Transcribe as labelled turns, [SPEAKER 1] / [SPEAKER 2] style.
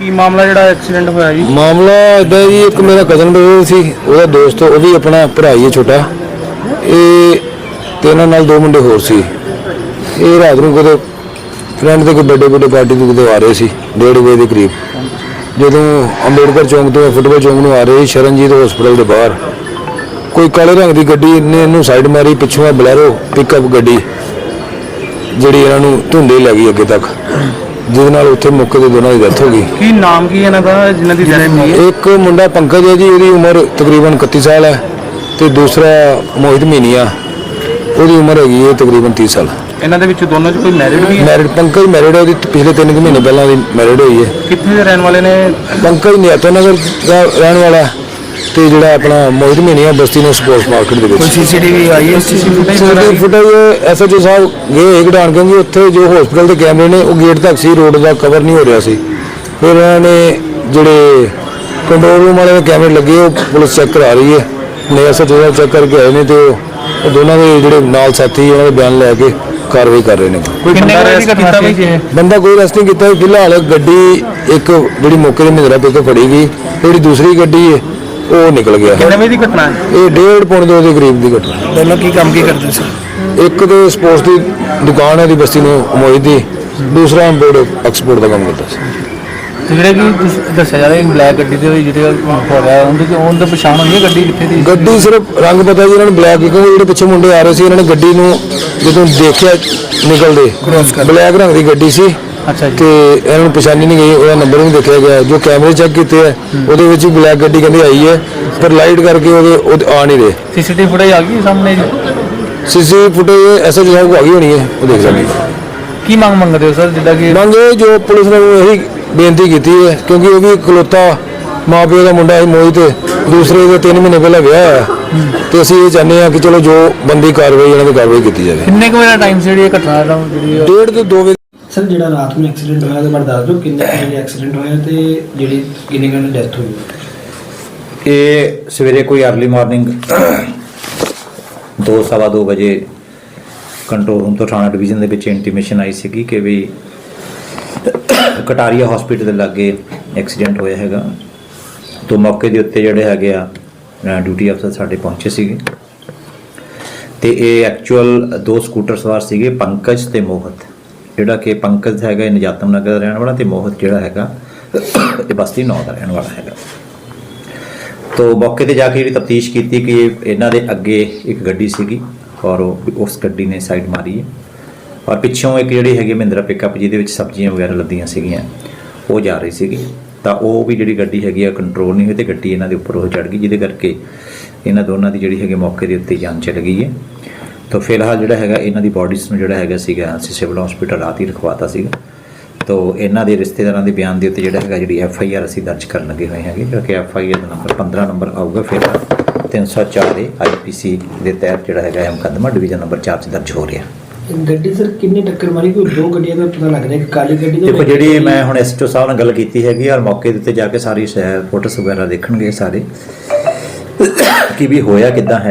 [SPEAKER 1] ਕੀ ਮਾਮਲਾ ਜਿਹੜਾ ਐਕਸੀਡੈਂਟ ਹੋਇਆ ਜੀ?
[SPEAKER 2] ਮਾਮਲਾ ਇਦਾਂ ਜੀ, ਇੱਕ ਮੇਰਾ ਕਜ਼ਨ ਬ੍ਰਦਰ ਸੀ, ਉਹਦਾ ਦੋਸਤ, ਉਹ ਵੀ ਆਪਣਾ ਭਰਾ ਹੀ ਹੈ ਛੋਟਾ। ਇਹ ਤੇ ਇਹਨਾਂ ਨਾਲ ਦੋ ਮੁੰਡੇ ਹੋਰ ਸੀ। ਇਹ ਰਾਤ ਨੂੰ ਕਿਤੇ ਫਰੈਂਡ ਦੇ ਕੋਈ ਬਰਥਡੇ ਪਾਰਟੀ ਤੋਂ ਕਿਤੇ ਆ ਰਹੇ ਸੀ 1:30 ਵਜੇ ਦੇ ਕਰੀਬ। ਜਦੋਂ ਅੰਬੇਡਕਰ ਚੌਂਕ ਤੋਂ ਫੁੱਟਬਾਲ ਚੌਂਕ ਨੂੰ ਆ ਰਹੇ, ਸ਼ਰਨਜੀਤ ਹਸਪਤਾਲ ਦੇ ਬਾਹਰ ਕੋਈ ਕਾਲੇ ਰੰਗ ਦੀ ਗੱਡੀ ਨੇ ਇਹਨੂੰ ਸਾਈਡ ਮਾਰੀ। ਪਿੱਛੋਂ ਆ ਬਲੈਰੋ ਪਿਕਅਪ ਗੱਡੀ ਜਿਹੜੀ ਇਹਨਾਂ ਨੂੰ ਧੁੰਦੇ ਲੈ ਗਈ ਅੱਗੇ ਤੱਕ, ਜਿਹਦੇ ਨਾਲ ਉੱਥੇ ਮੌਕੇ ਤੇ ਦੋਨਾਂ ਦੀ ਡੈਥ ਹੋ ਗਈ।
[SPEAKER 1] ਕੀ ਨਾਮ ਕੀ ਇਹਨਾਂ ਦਾ ਜਿਨ੍ਹਾਂ ਦੀ ਡੈਥ ਹੋਈ ਹੈ?
[SPEAKER 2] ਇੱਕ ਮੁੰਡਾ ਪੰਕਜ ਹੈ ਜੀ, ਉਹਦੀ ਉਮਰ ਤਕਰੀਬਨ 31 ਸਾਲ ਹੈ, ਤੇ ਦੂਸਰਾ ਮੋਹਿਤ ਮੀਨੀਆ, ਉਹਦੀ ਉਮਰ ਹੈਗੀ ਹੈ ਤਕਰੀਬਨ 30 ਸਾਲ।
[SPEAKER 1] ਇਹਨਾਂ ਦੇ ਵਿੱਚ ਦੋਨੋਂ 'ਚ ਕੋਈ ਮੈਰਿਡ ਵੀ ਹੈ?
[SPEAKER 2] ਮੈਰਿਡ ਪੰਕਜ ਮੈਰਿਡ ਹੈ, ਉਹਦੀ ਪਿਛਲੇ 3 ਮਹੀਨੇ ਪਹਿਲਾਂ ਦੀ ਮੈਰਿਡ ਹੋਈ ਹੈ।
[SPEAKER 1] ਕਿੱਥੇ ਦੇ ਰਹਿਣ ਵਾਲੇ ਨੇ?
[SPEAKER 2] ਪੰਕਜ ਨਿਆਤੋ ਨਗਰ ਦਾ ਰਹਿਣ ਵਾਲਾ, ਤੇ ਜਿਹੜਾ ਆਪਣਾ ਮੋਹਿਤ ਮੀਨੀਆ ਬਸਤੀ ਨੂੰ ਸਪੋਰਟਸ ਮਾਰਕੀਟ ਦੇ ਵਿੱਚ।
[SPEAKER 1] ਸੀਸੀਟੀਵੀ ਆਈ ਹੈ?
[SPEAKER 2] ਸੀਸੀਟੀਵੀ ਫੁਟੇਜ ਐਸਐਚਓ ਸਾਹਿਬ ਗਏ ਕਢਾਣ, ਕਿਉਂਕਿ ਉੱਥੇ ਜੋ ਹਸਪਤਾਲ ਦੇ ਕੈਮਰੇ ਨੇ ਉਹ ਗੇਟ ਤੱਕ ਸੀ, ਰੋਡ ਦਾ ਕਵਰ ਨਹੀਂ ਹੋ ਰਿਹਾ ਸੀ। ਫਿਰ ਇਹਨਾਂ ਨੇ ਜਿਹੜੇ ਕੰਟਰੋਲ ਰੂਮ ਵਾਲੇ ਕੈਮਰੇ ਲੱਗੇ, ਉਹ ਪੁਲਿਸ ਚੈੱਕ ਕਰਾ ਰਹੀ ਹੈ। ਨੇ ਐਸਐਚਓ ਸਾਹਿਬ ਚੈੱਕ ਕਰਕੇ ਆਏ ਨੇ, ਤੇ ਉਹ ਦੋਨਾਂ ਦੇ ਜਿਹੜੇ ਨਾਲ ਸਾਥੀ ਉਹਨਾਂ ਦੇ ਬਿਆਨ ਲੈ ਕੇ ਕਾਰਵਾਈ ਕਰ ਰਹੇ ਨੇ।
[SPEAKER 1] ਕੋਈ ਬੰਦਾ ਅਰੈਸਟ ਕੀਤਾ ਵੀ?
[SPEAKER 2] ਬੰਦਾ ਕੋਈ ਅਰੈਸਟ ਨਹੀਂ ਕੀਤਾ ਫਿਲਹਾਲ। ਗੱਡੀ ਇੱਕ ਜਿਹੜੀ ਮੌਕੇ ਤੇ ਮਹਿੰਦਰਾ ਪਿਕ ਫੜੀ ਗਈ, ਜਿਹੜੀ ਦੂਸਰੀ ਗੱਡੀ ਹੈ ਉਹ ਨਿਕਲ ਗਿਆ।
[SPEAKER 1] ਕਿੰਨੇ ਵਜੇ ਦੀ ਘਟਨਾ ਹੈ
[SPEAKER 2] ਇਹ 1:30-2 ਦੇ ਕਰੀਬ ਦੀ ਘਟਨਾ।
[SPEAKER 1] ਦੋਨੋਂ ਕੀ ਕੰਮ ਕੀ ਕਰਦੇ ਸੀ?
[SPEAKER 2] ਇੱਕ ਤੇ ਸਪੋਰਟਸ ਦੀ ਦੁਕਾਨ ਹੈ ਦੀ ਬਸਤੀ ਨੂੰ ਮੋਹਿਤ ਦੀ, ਦੂਸਰਾ ਇੰਪੋਰਟ ਐਕਸਪੋਰਟ ਦਾ ਕੰਮ ਕਰਦਾ ਸੀ।
[SPEAKER 1] ਤੇ ਜਿਹੜੇ ਕੀ ਦੱਸਿਆ ਜਾ ਰਿਹਾ ਬਲੈਕ ਗੱਡੀ ਦੇ ਜਿਹੜੇ ਹੋ ਰਿਹਾ ਉਹਦੇ ਪਛਾਣ ਹੋਈ ਹੈ ਗੱਡੀ ਕਿੱਥੇ ਦੀ?
[SPEAKER 2] ਗੱਡੀ ਸਿਰਫ ਰੰਗ ਪਤਾ ਜੀ ਇਹਨਾਂ ਨੂੰ ਬਲੈਕ, ਕਿਉਂਕਿ ਜਿਹੜੇ ਪਿੱਛੇ ਮੁੰਡੇ ਆ ਰਹੇ ਸੀ ਇਹਨਾਂ ਨੇ ਗੱਡੀ ਨੂੰ ਜਦੋਂ ਦੇਖਿਆ ਨਿਕਲਦੇ, ਬਲੈਕ ਰੰਗ ਦੀ ਗੱਡੀ ਸੀ।
[SPEAKER 1] ਅੱਛਾ ਜੀ।
[SPEAKER 2] ਤੇ ਇਹਨਾਂ ਨੂੰ ਪਛਾਣੀ ਨਹੀਂ ਗਈ, ਉਹਦਾ ਨੰਬਰ ਨਹੀਂ ਦੇਖਿਆ ਗਿਆ। ਜੋ ਕੈਮਰੇ ਚੈੱਕ ਕੀਤੇ ਹੈ ਉਹਦੇ ਵਿੱਚ ਬਲੈਕ ਗੱਡੀ ਕਹਿੰਦੇ ਆਈ ਹੈ, ਪਰ ਲਾਈਟ ਕਰਕੇ ਉਹਦੇ ਆ ਨਹੀਂ ਰਹੇ।
[SPEAKER 1] ਸੀਸੀਟੀਵੀ ਫੁਟੇਜ ਆ ਗਈ ਸਾਹਮਣੇ ਜੀ?
[SPEAKER 2] ਸੀਸੀਟੀਵੀ ਫੁਟੇਜ ਐਸਐਚਓ ਸਾਹਿਬ ਕੋ ਆ ਗਈ ਹੋਣੀ ਹੈ, ਉਹ ਦੇਖ ਲੈਣਗੇ।
[SPEAKER 1] ਕੀ ਮੰਗ ਮੰਗਦੇ ਹੋ ਸਰ, ਜਿੱਦਾਂ ਕਿ
[SPEAKER 2] ਮੰਗੇ ਜੋ ਪੁਲਿਸ ਨੇ ਇਹੀ ਬੇਨਤੀ ਕੀਤੀ ਹੈ, ਕਿਉਂਕਿ ਉਹ ਵੀ ਇਕਲੌਤਾ ਮਾਂ ਪਿਓ ਦਾ ਮੁੰਡਾ ਹੈ ਮੋਹਿਤ, ਦੂਸਰੇ ਦੇ 3 ਮਹੀਨੇ ਪਹਿਲਾਂ ਵਿਆਹ ਹੋਇਆ, ਤੇ ਅਸੀਂ ਇਹ ਚਾਹੁੰਦੇ ਹਾਂ ਕਿ ਚਲੋ ਜੋ ਬੰਦੀ ਕਾਰਵਾਈ ਇਹਨਾਂ ਦੀ ਕਾਰਵਾਈ ਕੀਤੀ ਜਾਵੇ।
[SPEAKER 1] ਕਿੰਨੇ ਕੁ ਵਜੇ ਟਾਈਮ ਸੀ ਜਿਹੜੀ ਇਹ ਘਟਨਾ ਦਾ?
[SPEAKER 2] 1:30 ਤੋਂ 2 ਵਜੇ।
[SPEAKER 3] ਸਰ ਜਿਹੜਾ ਰਾਤ ਨੂੰ ਐਕਸੀਡੈਂਟ ਹੋਇਆ ਉਹਦੇ ਬਾਰੇ ਦੱਸ ਦਿਓ, ਕਿੰਨੇ ਵਜੇ ਐਕਸੀਡੈਂਟ ਹੋਇਆ ਤੇ ਜਿਹੜੀ ਕਿੰਨੇ ਘੰਟੇ ਡੈਥ ਹੋਈ?
[SPEAKER 4] ਇਹ ਸਵੇਰੇ ਕੋਈ ਅਰਲੀ ਮਾਰਨਿੰਗ 2-2:15 ਵਜੇ ਕੰਟਰੋਲ ਰੂਮ ਤੋਂ ਥਾਣਾ ਡਿਵੀਜ਼ਨ ਦੇ ਵਿੱਚ ਇੰਟੀਮੇਸ਼ਨ ਆਈ ਸੀਗੀ ਕਿ ਵੀ ਕਟਾਰੀਆ ਹਸਪੀਟਲ ਦੇ ਲਾਗੇ ਐਕਸੀਡੈਂਟ ਹੋਇਆ ਹੈਗਾ। ਤੋਂ ਮੌਕੇ ਦੇ ਉੱਤੇ ਜਿਹੜੇ ਹੈਗੇ ਆ ਡਿਊਟੀ ਅਫਸਰ ਸਾਡੇ ਪਹੁੰਚੇ ਸੀਗੇ, ਤੇ ਇਹ ਐਕਚੁਅਲ 2 ਸਕੂਟਰ ਸਵਾਰ ਸੀਗੇ, ਪੰਕਜ ਤੇ ਮੋਹਿਤ। ਜਿਹੜਾ ਕਿ ਪੰਕਜ ਹੈਗਾ ਇਹ ਨਜਾਤਮ ਨਗਰ ਦਾ ਰਹਿਣ ਵਾਲਾ, ਤੇ ਮੋਹਿਤ ਜਿਹੜਾ ਹੈਗਾ ਇਹ ਬਸਤੀ 9 ਦਾ ਰਹਿਣ ਵਾਲਾ ਹੈਗਾ। ਤੋਂ ਮੌਕੇ ਤੇ ਜਾ ਕੇ ਜਿਹੜੀ ਤਫਤੀਸ਼ ਕੀਤੀ ਕਿ ਇਹਨਾਂ ਦੇ ਅੱਗੇ ਇੱਕ ਗੱਡੀ ਸੀਗੀ, ਔਰ ਉਸ ਗੱਡੀ ਨੇ ਸਾਈਡ ਮਾਰੀ ਹੈ, ਔਰ ਪਿੱਛੋਂ ਇੱਕ ਜਿਹੜੀ ਹੈਗੀ ਮਹਿੰਦਰਾ ਪਿਕਅਪ ਜਿਹਦੇ ਵਿੱਚ ਸਬਜ਼ੀਆਂ ਵਗੈਰਾ ਲੱਦੀਆਂ ਸੀਗੀਆਂ ਉਹ ਜਾ ਰਹੀ ਸੀਗੀ। ਤਾਂ ਉਹ ਵੀ ਜਿਹੜੀ ਗੱਡੀ ਹੈਗੀ ਆ ਕੰਟਰੋਲ ਨਹੀਂ ਹੋਈ, ਤੇ ਗੱਡੀ ਇਹਨਾਂ ਦੇ ਉੱਪਰ ਉਹ ਚੜ੍ਹ ਗਈ, ਜਿਹਦੇ ਕਰਕੇ ਇਹਨਾਂ ਦੋਨਾਂ ਦੀ ਜਿਹੜੀ ਹੈਗੀ ਮੌਕੇ ਦੇ ਉੱਤੇ ਜਾਨ ਚਲ ਗਈ ਹੈ। ਤਾਂ ਫਿਲਹਾਲ ਜਿਹੜਾ ਹੈਗਾ ਇਹਨਾਂ ਦੀ ਬੋਡੀਜ਼ ਨੂੰ ਜਿਹੜਾ ਹੈਗਾ ਸੀਗਾ ਅਸੀਂ ਸਿਵਲ ਹਸਪੀਟਲ ਰਾਤ ਹੀ ਰਖਵਾਤਾ ਸੀਗਾ। ਤਾਂ ਇਹਨਾਂ ਦੇ ਰਿਸ਼ਤੇਦਾਰਾਂ ਦੇ ਬਿਆਨ ਦੇ ਉੱਤੇ ਜਿਹੜਾ ਹੈਗਾ ਜਿਹੜੀ FIR ਅਸੀਂ ਦਰਜ ਕਰਨ ਲੱਗੇ ਹੋਏ ਹੈਗੇ, ਜਿਹੜਾ ਕਿ FIR ਦਾ ਨੰਬਰ 15 ਨੰਬਰ ਆਊਗਾ। ਫਿਰ 304 ਦੇ IPC ਦੇ ਤਹਿਤ ਜਿਹੜਾ ਹੈਗਾ ਇਹ ਮੁਕੱਦਮਾ ਡਿਵੀਜ਼ਨ ਨੰਬਰ 4 'ਚ ਦਰਜ ਹੋ ਰਿਹਾ।
[SPEAKER 3] ਗੱਡੀ ਸਰ ਕਿੰਨੀ ਟੱਕਰ ਮਾਰੀ? ਕੋਈ 2 ਗੱਡੀਆਂ ਦਾ ਪਤਾ ਲੱਗ ਰਿਹਾ, ਇੱਕ ਕਾਲੀ ਗੱਡੀ ਦਾ।
[SPEAKER 4] ਦੇਖੋ ਜਿਹੜੀ ਮੈਂ ਹੁਣ SHO ਸਾਹਿਬ ਨਾਲ ਗੱਲ ਕੀਤੀ ਹੈਗੀ, ਔਰ ਮੌਕੇ ਦੇ ਉੱਤੇ ਜਾ ਕੇ ਸਾਰੀ ਫੋਟੋਸ ਵਗੈਰਾ ਦੇਖਣਗੇ ਸਾਰੇ ਕਿ ਵੀ ਹੋਇਆ ਕਿੱਦਾਂ ਹੈ।